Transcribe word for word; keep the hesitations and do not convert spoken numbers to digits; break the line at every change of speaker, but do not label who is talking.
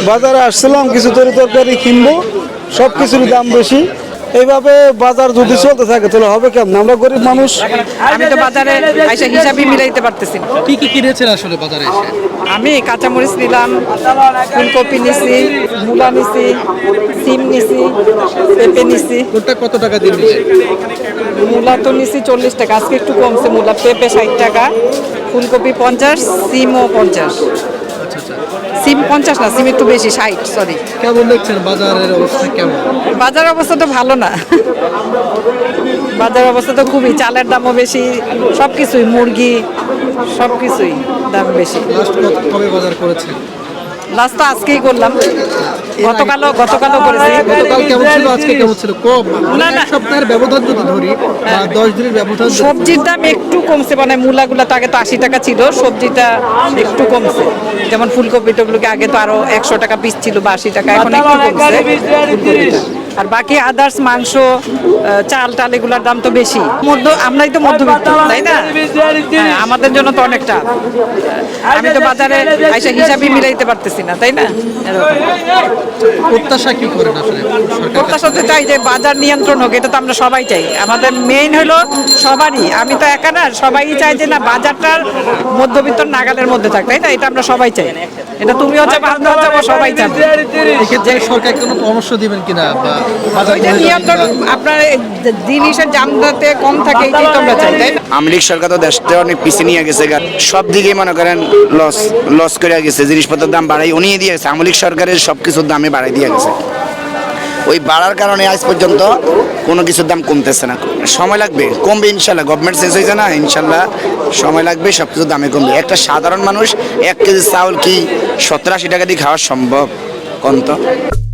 বাজারে আসছিলাম কিছু তরি তরকারি কিনবো, সব কিছুর দাম বেশি। এইভাবে বাজার যদি চলতে থাকে তাহলে হবে কেমন? আমরা গরিব মানুষ।
আমি তো বাজারে এসে হিসাবই মিলাইতে পারতেছি না।
কি কি কিনেছেন আসলে বাজারে এসে?
আমি কাঁচামরিচ নিলাম, ফুলকপি নিছি, মূলা নিছি, সিম নিছি, পেঁপে নিছি।
কোনটা কত টাকা দিয়ে নিলেন?
মূলা তো নিছি চল্লিশ টাকা, আজকে একটু কমছে মূলা। পেঁপে ষাট টাকা, ফুলকপি পঞ্চাশ, সিমও পঞ্চাশ।
আচ্ছা আচ্ছা,
সিম পঞ্চাশ না, সিম একটু বেশি, ষাট। সরি।
কেমন দেখছেন বাজারের অবস্থা কেমন?
বাজার অবস্থা তো ভালো না। বাজার অবস্থা তো খুবই, চালের দামও বেশি, সব কিছুই, মুরগি সব কিছুই দাম বেশি।
লাস্ট কবে বাজার করেছেন?
লাস্ট তো আজকেই করলাম, গতকালও গতকালও করেছি।
গতকাল কেমন ছিল, আজকে কেমন ছিল? কম মানে
না, না।
এক সপ্তাহের ব্যবধান যদি ধরি বা দশ দিনের ব্যবধান যদি-
সবজির দাম একটু কমছে, মানে মূলাগুলো তো আগে তো আশি টাকা ছিল, সবজিটা একটু কমছে। যেমন ফুলকপি টগুলোকে আগে তো আরো একশো টাকা পিস ছিল বা আশি টাকা, এখন একটু কমছে ফুলকপিটা। আর বাকি আদার্স মাংস, আহ, চাল টাল এগুলোর দাম তো বেশি। মধ্য আমরাই তো মধ্যবিত্ত, তাই না? হ্যাঁ, আমাদের জন্য তো অনেকটা। আমি তো বাজারে এসে হিসাবই মিলাইতে পারতেছি না, তাই না? এরকম।
প্রত্যাশা কি করেন আসলে সরকার?
প্রত্যাশা তো চাই যে বাজার নিয়ন্ত্রণ হোক, এটা তো আমরা সবাই চাই। আমাদের মেইন হলো সবারই, আমি তো একা না, সবাই চাই যে না, বাজারটার মধ্যবিত্ত নাগালের মধ্যে থাক, তাই না? এটা আমরা সবাই চাই। এটা তুমিও চাও, আমিও চাবো, সবাই চাবো।
এক্ষেত্রে সরকার কোনো পরামর্শ দিবেন কিনা বা বাজার
ওইটা নিয়ন্ত্রণ, আপনার এই জিনিসের দাম যাতে কম থাকে, এইটাই তো আমরা চাই, তাই না?
আওয়ামী লীগ সরকার তো দেশটা অনেক পিছিয়ে নিয়ে গেছে, সব দিকেই মনে করেন লস লস করে গেছে। জিনিসপত্রের দাম বাড়াই উনিয়ে দিয়ে গেছে, আওয়ামী লীগ সরকারের সব কিছুর দামে বাড়াই দিয়ে গেছে। ওই বাড়ার কারণে আজ পর্যন্ত কোনো কিছুর দাম কমতেছে না। সময় লাগবে, কমবে ইনশাল্লাহ। গভর্নমেন্ট শেষ হয়েছে না, ইনশাল্লাহ সময় লাগবে, সব কিছুর দামে কমবে। একটা সাধারণ মানুষ এক কেজি চাউল কি সত্তর আশি টাকা দিয়ে খাওয়া সম্ভব? কম তো।